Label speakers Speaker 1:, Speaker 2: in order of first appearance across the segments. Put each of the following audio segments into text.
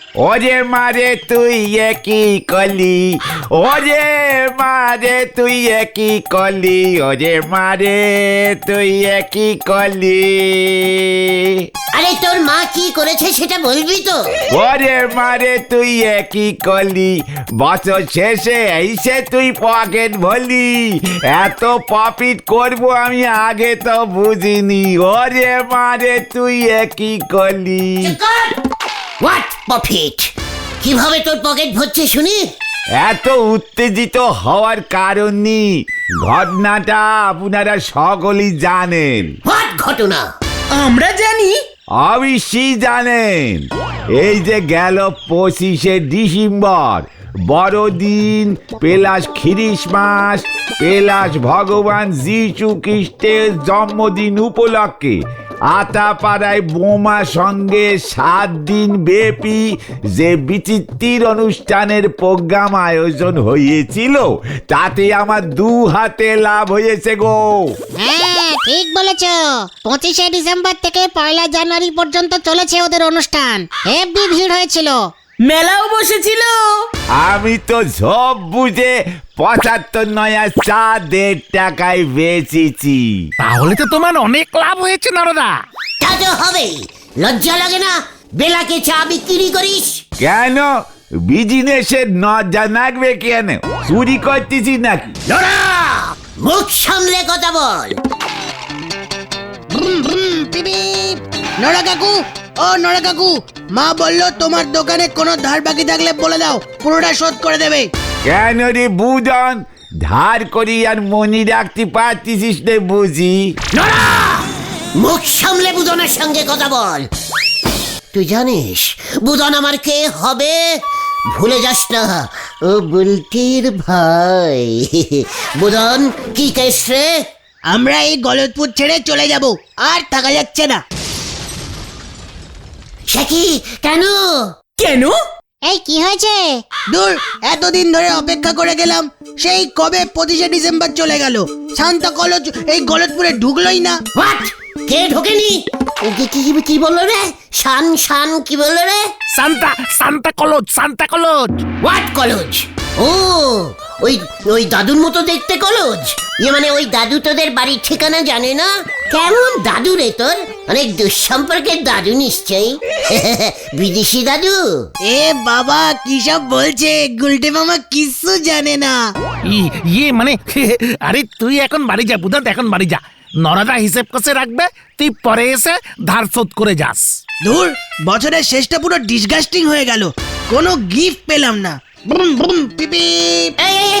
Speaker 1: ওরে মারে তুই কি কলি, ওরে মারে তুই কি কলি, ওরে মারে তুই কি কলি।
Speaker 2: আরে তোর মা কি করেছে সেটা বলবি তো?
Speaker 1: ওরে মারে তুই কি কলি, বছর শেষে এসে তুই পকেট ভরলি। এত প্রফিট করবো আমি আগে তো বুঝিনি। ওরে মারে তুই কি কলি।
Speaker 2: What profit? কিভাবে তোর পকেট ভরছে শুনি?
Speaker 1: এত উত্তেজিত হওয়ার কারণ নেই, ঘটনাটা আপনারা সকলেই জানেন।
Speaker 2: হোয়াট ঘটনা?
Speaker 3: আমরা জানি।
Speaker 1: অবশ্যই জানেন। এই যে গেল 25শে ডিসেম্বর, বড়দিন প্লাস খ্রিসমাস প্লাস ভগবান যীশু খ্রিস্টের জন্মদিন উপলক্ষে আতাপাড়ায় বোমা সঙ্গে 7 দিন ব্যাপী যে বিচিত্র অনুষ্ঠানের প্রোগ্রাম আয়োজন হয়েছিল, তাতে আমার 2 হাতে লাভ হয়েছে গো।
Speaker 4: হ্যাঁ ঠিক বলেছ। 25শে ডিসেম্বর থেকে 1লা জানুয়ারি পর্যন্ত চলেছে ওদের অনুষ্ঠান। হেভি ভিড় হয়েছিল,
Speaker 3: মেলাও বসেছিল।
Speaker 1: আমি তো সব বুঝে 75 নয়া চা 1.5 টাকায় বেচেছি।
Speaker 5: তাহলে তো তোমার অনেক লাভ হয়েছে নরদা।
Speaker 2: তা তো হবেই। লজ্জা লাগে না বেলাকে চা বিক্রি করিস?
Speaker 1: কেন বিজনেসের নজর রাখবে কেন? চুরি করতেছি নাকি?
Speaker 2: লড়া, মুখ সামলে কথা বল।
Speaker 3: নড়া কাকু, ও নড়া কাকু, মা বললো তোমার দোকানে কোনো ধার বাকি থাকলে বলে দাও, পুরোটা শোধ করে দেবে।
Speaker 1: কেন রে বুদন, ধার করি আর মনি রাখতে পারতিস না বুঝি?
Speaker 2: লড়া, মুখ সামলে বুদনের সঙ্গে কথা বল। তুই জানিস বুদন আমার কে হবে? ভুলে যাস না, ও বুলটির ভাই। বুদন কি কেস রে?
Speaker 3: আমরা এই গলতপুর ছেড়ে চলে যাব, আর থাকা যাচ্ছে না।
Speaker 2: সে কি? কেন?
Speaker 3: কেন?
Speaker 4: এই কি হয়েছে?
Speaker 3: দূর, এতদিন ধরে অপেক্ষা করে গেলাম, সেই কবে 25শে ডিসেম্বর চলে গেল, শান্তা কলেজ এই গলতপুরে ঢুকলোই না।
Speaker 2: হোয়াট? কে ঢোকেনি? কি বললো রে? শান কি বললো রে?
Speaker 5: Santa college.
Speaker 2: What college? ও, ওই দাদুর মতো দেখতে কলেজ? মানে ওই দাদু তোদের বাড়ির ঠিকানা জানে না? কেমন দাদু রে তোর? অনেক দুঃসম্পর্কের দাদু নিশ্চয়ই। বিদেশি দাদু?
Speaker 3: এ বাবা কি সব বলছে, গুলটে মামা কিচ্ছু জানে না।
Speaker 5: ইয়ে মানে আরে তুই এখন বাড়ি যা বুধন, এখন বাড়ি যা। নরদা হিসেব কষে রাখবে, তুই পরে এসে ধার শোধ করে যাস।
Speaker 3: দূর, বছরের শেষটা পুরো ডিসগাস্টিং হয়ে গেল, কোনো গিফট পেলাম না। বুম বুম পিপি।
Speaker 2: এই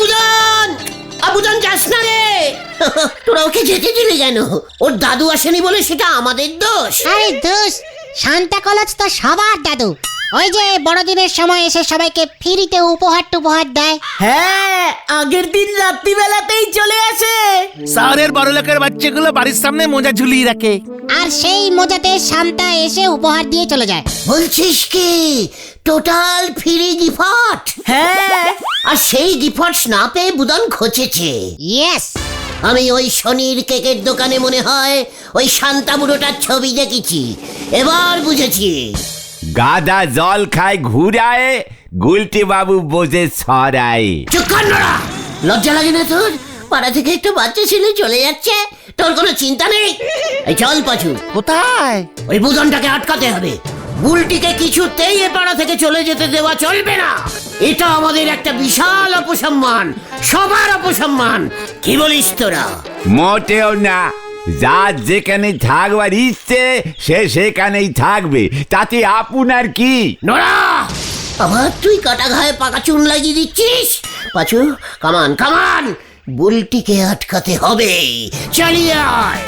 Speaker 2: বুদন যাস না রে। তোরা ওকে যেতে দিলি কেন? ওর দাদু আসেনি বলে সেটা আমাদের দোষ?
Speaker 4: আরে দোষ, শান্তা কলেজ তো সবার দাদু। ওই যে বড়দিনের সময় এসে সবাইকে ফ্রিতে উপহার দেয়।
Speaker 3: হ্যাঁ, আগের দিন রাত্রিবেলাতেই চলে আসে।
Speaker 5: শহরের বড় লোকের বাচ্চাগুলো বাড়ির সামনে মোজা ঝুলিয়ে রাখে,
Speaker 4: আর সেই মজাতে শান্তা এসে উপহার দিয়ে চলে যায়।
Speaker 2: বলছিস কি টোটাল ফ্রি গিফট?
Speaker 3: হ্যাঁ,
Speaker 2: আর সেই গিফট না পেয়ে বুদন খচেছে।
Speaker 4: ইয়েস।
Speaker 2: আমি ওই শনির কেকের দোকানে মনে হয় ওই শান্তা বুড়োটার ছবি দেখেছি, এবার বুঝেছি।
Speaker 1: গাদা জল খায় ঘুরায়, গুলটি বাবু বোঝে ছড়ায়।
Speaker 2: চুপ কর নড়া, লজ্জা লাগে না তোর? পাড়া থেকে একটু বাচ্চা ছেলে চলে যাচ্ছে, তোর কোনো চিন্তা নেই? এই চল পাছু।
Speaker 5: কোথায়?
Speaker 2: ওই বুদনটাকে আটকাতে হবে। বুলটিকে কিছুতেই এ পাড়া থেকে চলে যেতে দেওয়া চলবে না। এটা আমাদের একটা বিশাল অপসম্মান, সবার অপসম্মান। কি বলিস তোরা?
Speaker 1: মোটেও না, যার যেখানে থাকবার ইচ্ছে সে সেখানেই থাকবে, তাতে আপনার কি?
Speaker 2: নোরা, আবার তুই কাটা ঘায়ে পাকা চুন লাগিয়ে দিচ্ছিস? পাছু, কামান, বুলটিকে আটকাতে হবে। চালিয়ে আয়।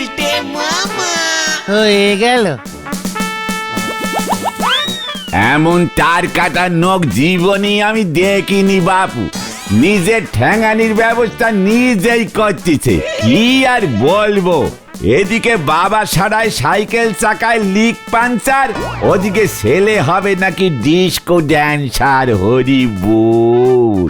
Speaker 5: হয়ে গেল।
Speaker 1: এমন তার কাটা নখ জীবনে আমি দেখিনি বাপু। নিজের ঠ্যাঙানির ব্যবস্থা নিজেই করতেছে, কি আর বলবো। এদিকে বাবা সারায় সাইকেল চাকায় লিক পাঞ্চার, ওদিকে ছেলে হবে নাকি ডিস্কো ড্যান্সার। হরি বল।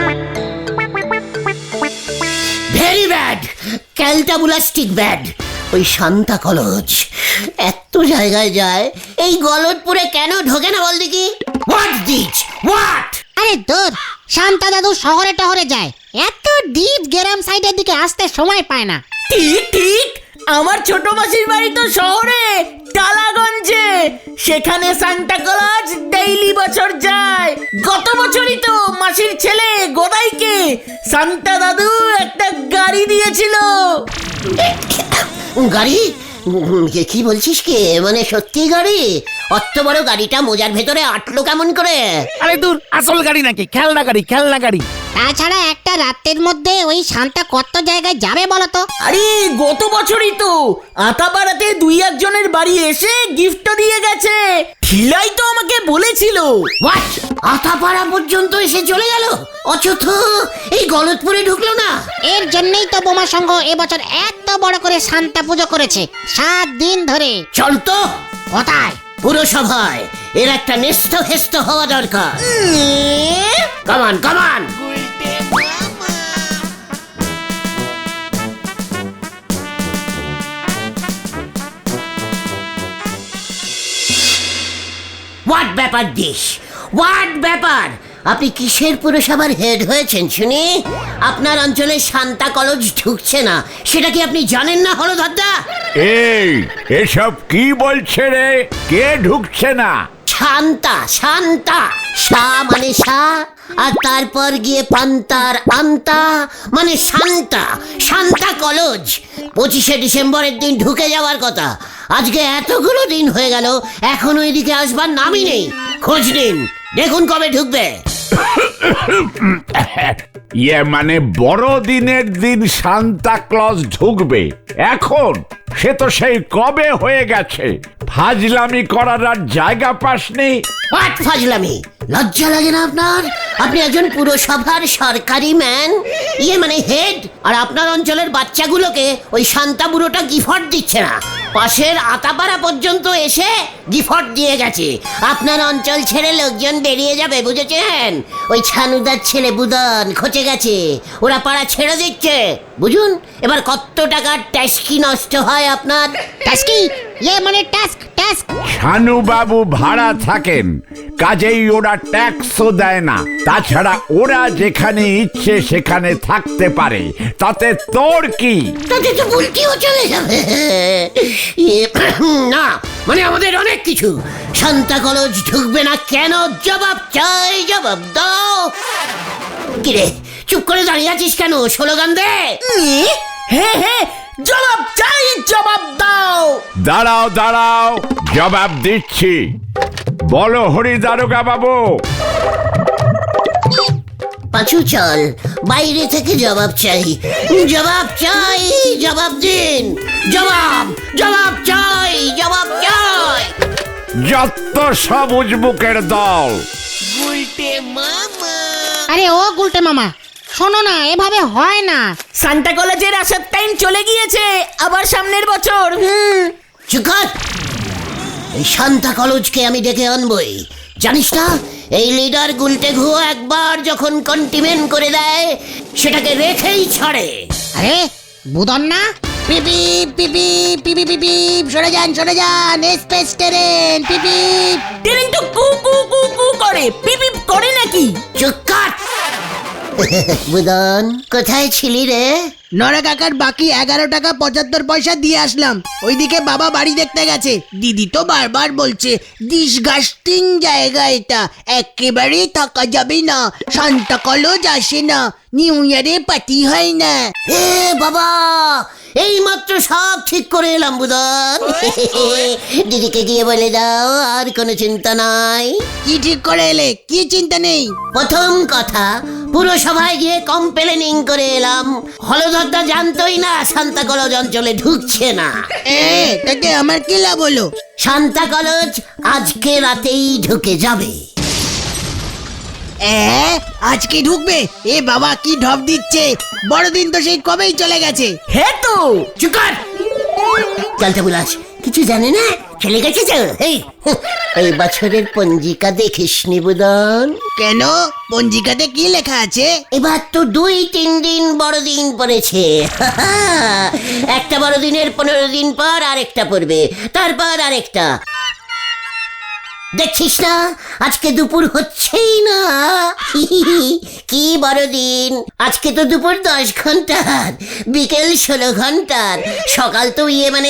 Speaker 2: ভেরি ব্যাড, ক্যালটাবুলাস্টিক ব্যাড। ওই শান্তা কলেজ এত জায়গায় যায়, এই গলতপুরে কেন ঢোকে না বল দেখি? What this what?
Speaker 4: আরে দূর, শান্তা দাদু শহরে টহরে যায়, এত ডিপ গ্রাম সাইডের দিকে আসতে সময় পায় না।
Speaker 6: ঠিক ঠিক, আমার ছোট মাসির বাড়ি তো শহরে, টালাগঞ্জে। সেখানে সান্টা ক্লজ ডেইলি বছর যায়। গত বছরই তো মাসির ছেলে গোদাইকে সান্তা দাদু একটা গাড়ি দিয়েছিল।
Speaker 2: গাড়ি? কি বলছিস কি? মানে সত্যি গাড়ি? অত বড় গাড়িটা মোজার ভেতরে আটলো কেমন করে?
Speaker 5: আরে দূর, আসল গাড়ি নাকি? খেলনা গাড়ি, খেলনা গাড়ি।
Speaker 4: তাছাড়া একটা রাতের মধ্যে ওই শান্তা কত জায়গায় যাবে বলতো?
Speaker 6: আরে গত বছরই তো আতাপাড়াতে 2-1 বাড়ি এসে গিফট দিয়ে গেছে। ঠিলাই তো আমাকে বলেছিল।
Speaker 2: হোয়াট? আতাপাড়া পর্যন্ত এসে চলে গেল, অথচ এই গলতপুরে ঢুকলো না?
Speaker 4: এর জন্যই তো বোমা সংঘ এবছর এত বড় করে শান্তা পুজো করেছে 7 দিন ধরে।
Speaker 2: চল তো
Speaker 4: কোথায়?
Speaker 2: পুরসভায়। এর একটা নেস্ত হেস্ত হওয়া দরকার। কামান কামান। হোয়াট ব্যাপার দিস? হোয়াট ব্যাপার? আপনি কিসের পুরসভার হেড হয়েছেন শুনি? আপনার অঞ্চলে শান্তা কলেজ ঢুকছে না, সেটা কি আপনি জানেন না হলধরদা?
Speaker 1: এই এসব কি বলছে রে? কে ঢুকছে না?
Speaker 2: শান্তা, শান্তা। শা মানে শা, আর তারপর গিয়ে পান্তার আন্তা মানে শান্তা। শান্তা কলেজ 25শে ডিসেম্বরের দিন ঢুকে যাওয়ার কথা। আজকে এতগুলো দিন হয়ে গেল, এখনো এদিকে আসবার নামই নেই। খোঁজ নিন, দেখুন কবে ঢুকবে।
Speaker 1: ইয়ে মানে বড়দিনের দিন সান্তা ক্লজ ঢুকবে এখন? সে তো সেই কবে হয়ে গেছে। ফাজলামি করার আর জায়গা পাসনি।
Speaker 2: হোয়াট ফাজলামি? লজ্জা লাগে না আপনার? আপনি একজন পুরসভার সরকারি ম্যান, ইয়ে মানে হেড, আর আপনার অঞ্চলের বাচ্চাগুলোকে ওই শান্তা বুড়োটা গিফট দিচ্ছে না। পাশের আতাপাড়া পর্যন্ত এসে গিফট দিয়ে গেছে। আপনার অঞ্চল ছেড়ে লোকজন বেরিয়ে যাবে, বুঝেছেন? ওই ছানুদার ছেলে বুদন খচে গেছে, ওরা পাড়া ছেড়ে দিচ্ছে। বুঝুন এবার কত টাকার ট্যাক্সি নষ্ট হয় আপনার।
Speaker 4: টাস্কি? ইয়ে মানে টাস্ক, টাস্ক।
Speaker 1: শানু বাবু ভাড়া থাকেন, কাজেই ওরা ট্যাক্সও দেয় না। তাছাড়া ওরা যেখানে ইচ্ছে সেখানে থাকতে পারে, তাতে তোর কি?
Speaker 2: তাতে তো বুলটিও চলে যাবে। না মানে আমাদের অনেক কিছু। শান্তা কলেজ ঢুকবে না কেন? জবাব চাই, জবাব দাও। কিরে চুপ করে দাঁড়িয়ে আছিস কেন? স্লোগান দে।
Speaker 6: হ্যাঁ হ্যাঁ, জবাব চাই, জবাব দাও।
Speaker 1: দাঁড়াও দাঁড়াও, জবাব দিচ্ছি। বলো হরি দারোগা বাবু।
Speaker 2: পাঁচু চল, বাইরে থেকে জবাব চাই। জবাব চাই, জবাব দিন। জবাব, জবাব চাই, জবাব চাই।
Speaker 1: যত সবুজ বুকের দল।
Speaker 4: আরে ও গুলটে মামা, শোনো না, এভাবে হয় না।
Speaker 6: সান্টা কলেজের আসার টাইম চলে গিয়েছে, আবার সামনের বছর।
Speaker 2: চুপ কর। এই শান্তা কলেজকে আমি ডেকে আনবই, জানিস না? এই লিডার গুলটে ঘুয়ো একবার যখন কন্টিমেন্ট করে দেয়, সেটাকে রেখেই ছাড়ে।
Speaker 4: আরে বুদন না?
Speaker 3: পিপি পিপি পিপি পিপি, সরে যান সরে যান, স্পেস ট্রেন পিপি।
Speaker 6: ট্রেন তো কু কু কু কু করে, পিপ করে নাকি?
Speaker 2: চুপ কর। বুদন কোথায় ছিলি রে?
Speaker 3: নরা কাকার বাকি 11 টাকা 75 পয়সা দিয়ে আসলাম। ওইদিকে বাবা বাড়ি দেখতে গেছে। দিদি তো বারবার বলছে ডিসগাস্টিং জায়গা এটা, একেবারেই থাকা যাবে না, শান্তা কলেজ আসে না, নিউ ইয়ারে পার্টি হয় না।
Speaker 2: এ বাবা, এই মাত্র সব ঠিক করে এলাম বুদন। দিদিকে গিয়ে বলে দাও আর কোনো চিন্তা নাই।
Speaker 3: কি ঠিক করে এলে? কি চিন্তা নেই?
Speaker 2: প্রথম কথা, পুরসভায় গিয়ে কমপ্লেনিং করে এলাম। হলধরদা জানতোই না শান্তা কলেজ অঞ্চলে ঢুকছে না।
Speaker 3: তাতে আমার কি লাভ হলো?
Speaker 2: শান্তা কলেজ আজকে রাতেই ঢুকে যাবে।
Speaker 3: আজকে ঢুকবে? এ বাবা কি ঢপ দিচ্ছে! বড়দিন তো সেই কবেই চলে গেছে।
Speaker 6: হ্যাঁ তো।
Speaker 2: চুপ কর। চলতে বুলাস কিছু জানে না। চলে গেছে তো এই বছরের পঞ্জিকা দেখিসনি বুদন?
Speaker 3: কেন পঞ্জিকাতে কি লেখা আছে?
Speaker 2: এবার তো 2-3 দিন বড়দিন পড়েছে। একটা বড়দিনের 15 দিন পর আরেকটা পড়বে, তারপর আরেকটা। দেখছিস না আজকে দুপুর হচ্ছেই না। কি বড়দিন! আজকে তো দুপুর 10 ঘন্টার, বিকেল 16 ঘন্টার, সকাল তো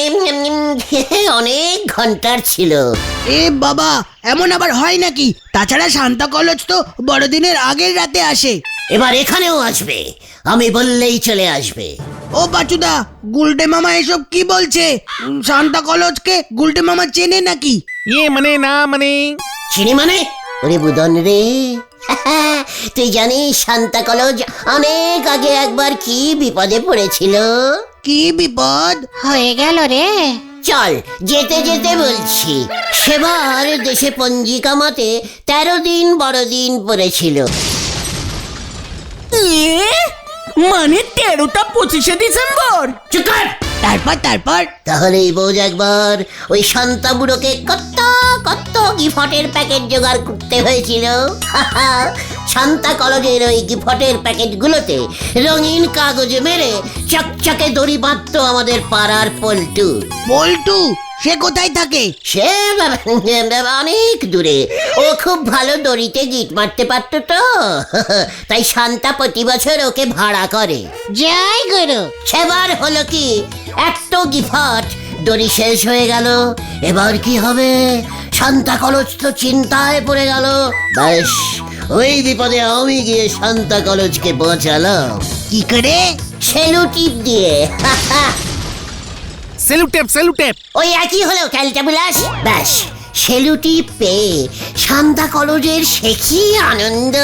Speaker 2: অনেক ঘন্টার ছিল।
Speaker 3: এ বাবা, এমন আবার হয় নাকি? তাছাড়া সান্তা কলজ তো বড়দিনের আগের রাতে আসে।
Speaker 2: এবার এখানেও আসবে, আমি বললেই চলে আসবে।
Speaker 3: ও বাচুদা, গুলটে মামা এসব কি বলছে? সান্তা কলজকে গুলটে মামা চেনে নাকি?
Speaker 5: মানে
Speaker 2: চিনি মানে? ওরে বুদন রে, তুই জানিস সান্তা কলজ অনেক আগে একবার কি বিপদে পড়েছিল?
Speaker 3: কি বিপদ?
Speaker 4: হয়ে গেল রে।
Speaker 2: চল যেতে যেতে বলছি। সেবার দেশে পঞ্জিকা মতে 13 দিন বড়দিন পড়েছিল।
Speaker 6: মানে 13টা 25শে ডিসেম্বর?
Speaker 2: চুপ কর!
Speaker 3: তারপর
Speaker 2: তাহলেই বোঝ একবার ওই শান্তা বুড়োকে কত কত গিফটের প্যাকেট জোগাড় করতে হয়েছিল। শান্তা কলেজের ওই গিফটের প্যাকেটগুলোতে রঙিন কাগজ মেরে চকচকে দড়ি বাঁধতো আমাদের পাড়ার পল্টু।
Speaker 3: বল্টু সে কোথায় থাকে?
Speaker 2: সে অনেক দূরে, ও খুব ভালো দড়িতে গিট মারতে পারতো তো, তাই শান্তা প্রতি বছর ওকে ভাড়া করে।
Speaker 4: জয় গুরু।
Speaker 2: সেবার হলো কি, এত গিফট দড়ি শেষ হয়ে গেল। এবার কি হবে? শান্তা কলেজ তো চিন্তায় পড়ে গেল। ব্যাস ওই বিপদে আমি গিয়ে শান্তা কলেজকে বাঁচালাম।
Speaker 3: কি করে?
Speaker 2: সেলু টিপ দিয়ে।
Speaker 5: সেলুটেপ
Speaker 2: ওই একই হলো ক্যালটাবুলাস। ব্যাস সেলুটি পেয়ে শান্তা কলেজের সে কি আনন্দ!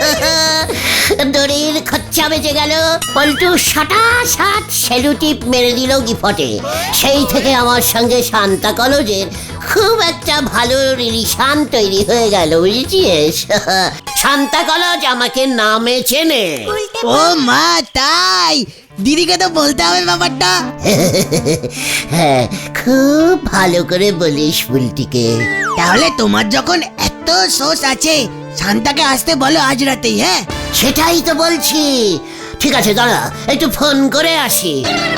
Speaker 2: দড়ির খরচা বেঁচে গেল। পল্টু সাট সেলুটিপ মেরে দিল গিফটে। সেই থেকে আমার সঙ্গে শান্তা কলেজের খুব একটা ভালো রিলেশন তৈরি হয়ে গেল, বুঝেছিস? শান্তা কলেজ আমাকে নামে চেনে।
Speaker 3: ও মা, তাই? দিদিকে তো বলতে হবে ব্যাপারটা।
Speaker 2: হ্যাঁ, খুব ভালো করে বলিস বুলটিকে।
Speaker 3: তাহলে তোমার যখন এত সোর্স আছে, শান্তাকে আসতে বলো আজ রাতেই। হ্যাঁ,
Speaker 2: সেটাই তো বলছি। ঠিক আছে, দাঁড়া একটু ফোন করে আসি।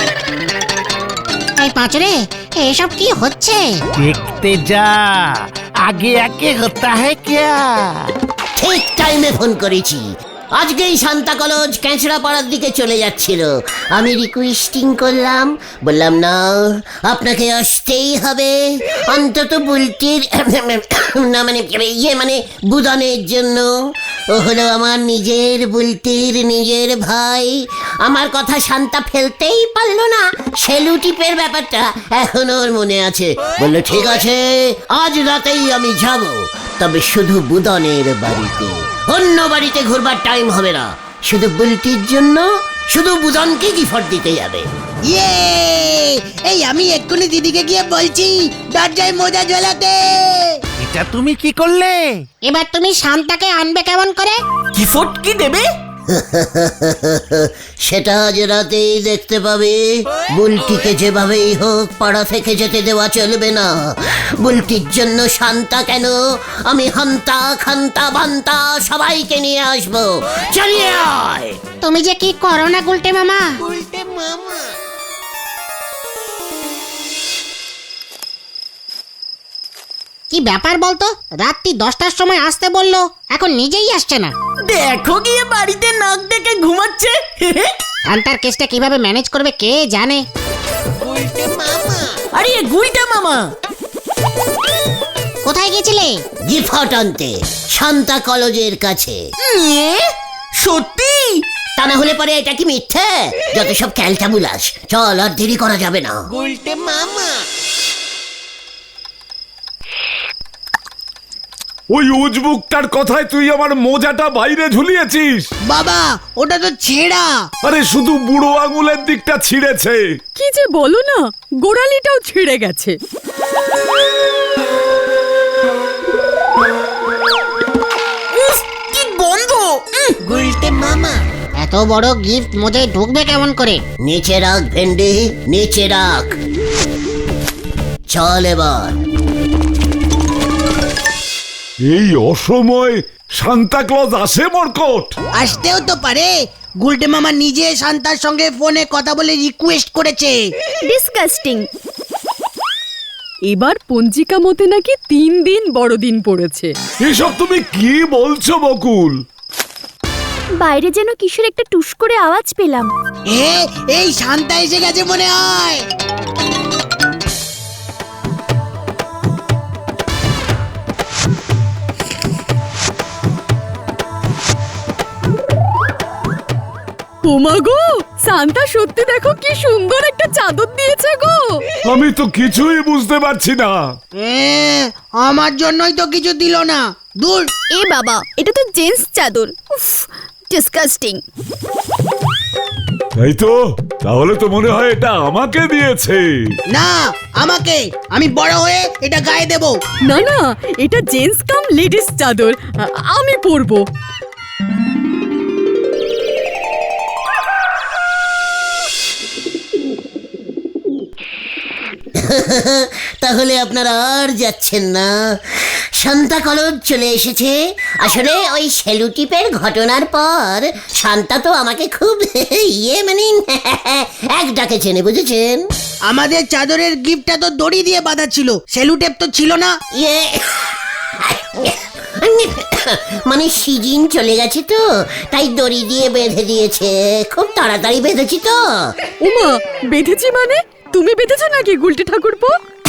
Speaker 4: এই পাঁচরে, এসব কি হচ্ছে?
Speaker 5: দেখতে যা, আগে আগে হতা হ্যায় ক্যা?
Speaker 2: ঠিক টাইমে ফোন করেছি। আজকেই শান্তা কলেজ ক্যাঁচড়া পাড়ার দিকে চলে যাচ্ছিল। আমি রিকোয়েস্টিং করলাম, বললাম না আপনাকে আসতেই হবে, অন্তত বুলটির না মানে বুদনের জন্য। ও হলো আমার নিজের বুলটির নিজের ভাই। আমার কথা শান্তা ফেলতেই পারলো না। সেলু টিপের ব্যাপারটা এখন ওর মনে আছে। বললো ঠিক আছে, আজ রাতেই আমি যাব, তবে শুধু বুদনের বাড়িতে, অন্য বাড়িতে ঘুরবার টাইম হবে না। শুধু বুলটির জন্য, শুধু বুদনকে গিফট দিতে যাবে।
Speaker 3: ইয়ে, এই আমি এক্ষুনি দিদিকে গিয়ে বলছি দরজায় মোজা ঝোলাতে।
Speaker 5: এটা তুমি কি করলে?
Speaker 4: এবার তুমি শান্তাকে আনবে কেমন করে?
Speaker 6: গিফট কি দেবে?
Speaker 2: সেটা আজ রাতেই দেখতে পাবে। বুলটিকে যেভাবেই হোক পাড়া থেকে যেতে দেওয়া চলবে না। বুলটির জন্য শান্তা কেন, আমি হান্তা খান্তা বান্তা সবাইকে নিয়ে আসবো। চলিয়ে আয়।
Speaker 4: তুমি যে কি করো না গুলটে মামা। কি ব্যাপার বলতো? রাত্রি 10টার সময় আসতে বললো, এখন নিজেই আসছে না।
Speaker 6: দেখো গিয়ে বাড়িতে নাক ডেকে ঘুমাচ্ছে।
Speaker 4: শান্তার কেসটা কিভাবে ম্যানেজ করবে কে জানে।
Speaker 6: আরে গুলটা মামা,
Speaker 4: কোথায় গেছিলে?
Speaker 2: গিফট আনতে শান্তা কলেজের কাছে।
Speaker 6: সত্যি?
Speaker 2: তা না হলে পরে এটা কি মিথ্যে? যত সব ক্যালটাবুলাস। চল, আর দেরি করা যাবে না।
Speaker 1: ওই উজবুকটার কথায় তুই আমার মোজাটা বাইরে ঝুলিয়েছিস।
Speaker 3: বাবা, ওটা তো ছেঁড়া।
Speaker 1: আরে শুধু বুড়ো আঙুলের দিকটা ছিঁড়েছে।
Speaker 7: কি যে বলো না, গোড়ালিটাও ছিঁড়ে গেছে।
Speaker 6: উফ, কি গন্ধ!
Speaker 4: এত বড় গিফট মোজায় ঢুকবে কেমন করে?
Speaker 2: নিচে রাখ ভেন্ডি, নিচে রাখ। চল এবার।
Speaker 8: এই অসময় সান্তা ক্লজ আসে মরকট?
Speaker 3: আসতেও তো পারে। গুলটে মামা নিজে শান্তার সঙ্গে ফোনে কথা বলে রিকোয়েস্ট করেছে।
Speaker 7: ডিসকাস্টিং। এবার পঞ্জিকা মতে নাকি 3 দিন বড়দিন পড়েছে।
Speaker 8: এসব তুমি কি বলছো বকুল?
Speaker 9: বাইরে যেন কিশোর একটা টুস করে আওয়াজ পেলাম।
Speaker 3: এই শান্তা এসে গেছে মনে হয়।
Speaker 7: ওমা গো, সান্তা সত্যি দেখো কি সুন্দর একটা চাদর দিয়েছে গো।
Speaker 8: আমি তো কিছুই বুঝতে পারছি না।
Speaker 3: আমার জন্যই তো কিছু দিল না। দূর।
Speaker 9: এ বাবা, এটা তো জেন্টস চাদর। উফ, ডিসকাস্টিং।
Speaker 8: তাই তো, তাহলে তো মনে হয় এটা আমাকে দিয়েছে।
Speaker 3: না, আমাকে। আমি বড় হয়ে এটা গায়ে দেব।
Speaker 7: না না, এটা জেন্টস কাম লেডিস চাদর। আমি পরবো।
Speaker 2: তাহলে আপনারা আর যাচ্ছেন না? শান্তা কলেজ চলে এসেছে। আসলে ওই সেলুটিপের ঘটনার পর শান্তা তো আমাকে খুব মানে এক ডাকে চেনে, বুঝেছেন?
Speaker 3: আমাদের চাদরের গিফটটা তো দড়ি দিয়ে বাঁধা ছিল, সেলুটেপ তো ছিল না।
Speaker 2: মানে সিজন চলে গেছে তো, তাই দড়ি দিয়ে বেঁধে দিয়েছে। খুব তাড়াতাড়ি বেঁধেছি তো।
Speaker 7: ওমা, বেঁধেছি মানে? তুমি বেঁধেছো নাকি গুলটে ঠাকুরপো?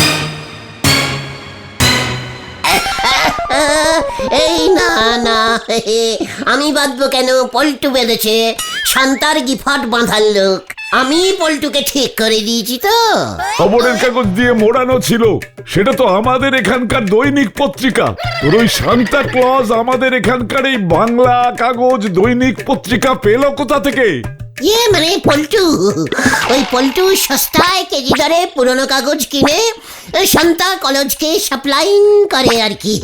Speaker 2: এই না না, আমি বাঁধবো কেন? পল্টু বেঁধেছে। শান্তার গিফট বাঁধার লোক আমি। পল্টুকে ঠিক করে দিয়েছি তো।
Speaker 8: খবরের কাগজ দিয়ে মোড়ানো ছিল, সেটা তো আমাদের এখানকার দৈনিক পত্রিকা। তোর ওই সান্তা ক্লজ আমাদের এখানকার এই বাংলা কাগজ দৈনিক পত্রিকা পেল কোথা থেকে?
Speaker 2: মানে পল্টু, ওই পল্টু সস্তায় কেজি দরে পুরনো কাগজ কিনে শান্তা কলেজকে সাপ্লাইং করে আর কি।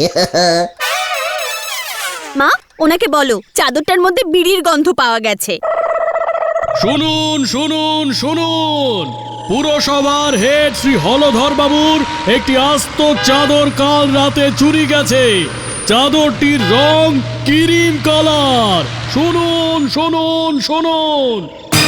Speaker 9: মা, ওনাকে বলো চাদরটার মধ্যে বিড়ির গন্ধ পাওয়া গেছে।
Speaker 10: শুনুন শুনুন শুনুন, পুরসভার হেড শ্রী হলধর বাবুর একটি আস্ত চাদর কাল রাতে চুরি গেছে। চাদরটির রং ক্রিম কালার। শুনুন শুনুন শুনুন।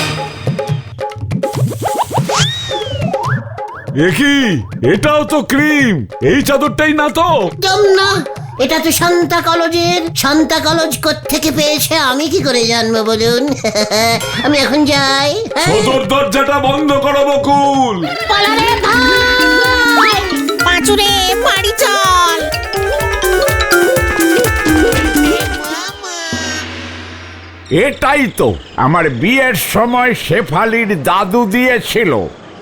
Speaker 8: কি এটাও তো ক্রিম? এই চাদরটাই না তো?
Speaker 2: একদম না, এটা তো শান্তা কলেজের। শান্তা কলেজ কোত্থেকে পেয়েছে আমি কি করে জানবো বলুন? আমি এখন যাই।
Speaker 8: সদর দরজাটা বন্ধ করো বকুল।
Speaker 2: পালারে ভাই,
Speaker 4: পাঁচুরে বাড়ি চল।
Speaker 1: এটাই তো আমার বিয়ের সময় শেফালির দাদু দিয়েছিল।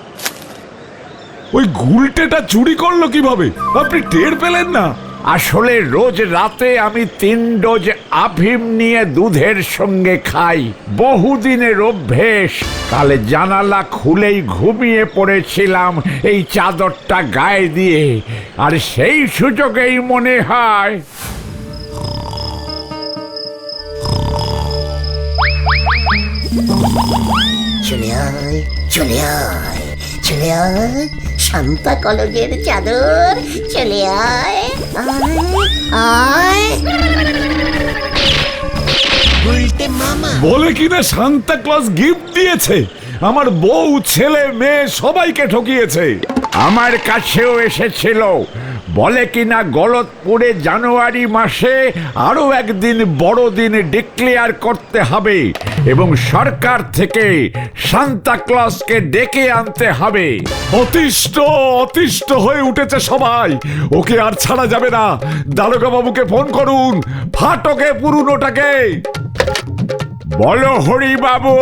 Speaker 8: ওই গুলটেটা চুরি করলো কিভাবে? আপনি টের পেলেন না?
Speaker 1: আসলে রোজ রাতে আমি 3 ডোজ আফিম নিয়ে দুধের সঙ্গে খাই। বহুদিনের অভ্যেস। কালে জানালা খুলেই ঘুমিয়ে পড়েছিলাম এই চাদরটা গায়ে দিয়ে, আর সেই সুযোগেই মনে হয়
Speaker 2: চলে আয়, চলে আয়, চলে আয়, শান্তা কলেজের চাদর। চলে আয়, আয়, আয়।
Speaker 8: বলে কিনা সান্তা ক্লজ গিফট দিয়েছে। আমার বউ, ছেলে, মেয়ে সবাইকে ঠকিয়েছে।
Speaker 1: আমার কাছেও এসেছিল। বলে কিনা গলতপুরে জানুয়ারি মাসে আরো একদিন বড়দিন ডিক্লেয়ার করতে হবে এবং সরকার থেকে সান্তা ক্লজকে ডেকে আনতে হবে।
Speaker 8: অতিষ্ঠ অতিষ্ঠ হয়ে উঠেছে সবাই। ওকে আর ছাড়া যাবে না। দারোগা বাবুকে ফোন করুন, ফাটকে পুরনোটাকে।
Speaker 1: বলো হরি বাবু।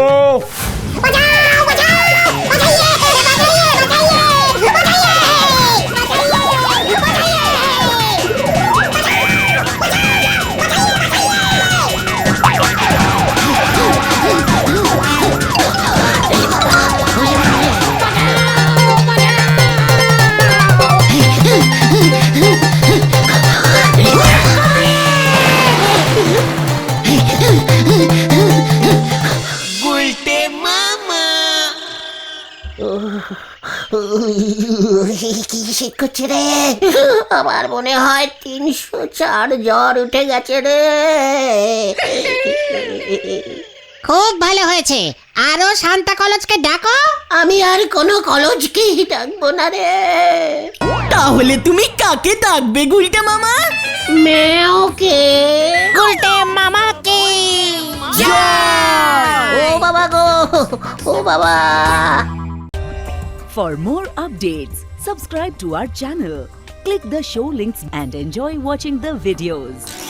Speaker 2: কি শীত করছে রে, আমার মনে হয় 304 জ্বর উঠে গেছে রে।
Speaker 4: খুব ভালো হয়েছে, আরো শান্তা কলেজকে ডাকো।
Speaker 2: আমি আর কোনো কলেজকেই ডাকবো না রে।
Speaker 6: তাহলে তুমি কাকে ডাকবে গুলটে মামা?
Speaker 2: মেওকে।
Speaker 4: গুলটে মামাকে।
Speaker 2: ও বাবা গো, ও বাবা।
Speaker 11: For more updates, subscribe to our channel, click the show links and enjoy watching the videos.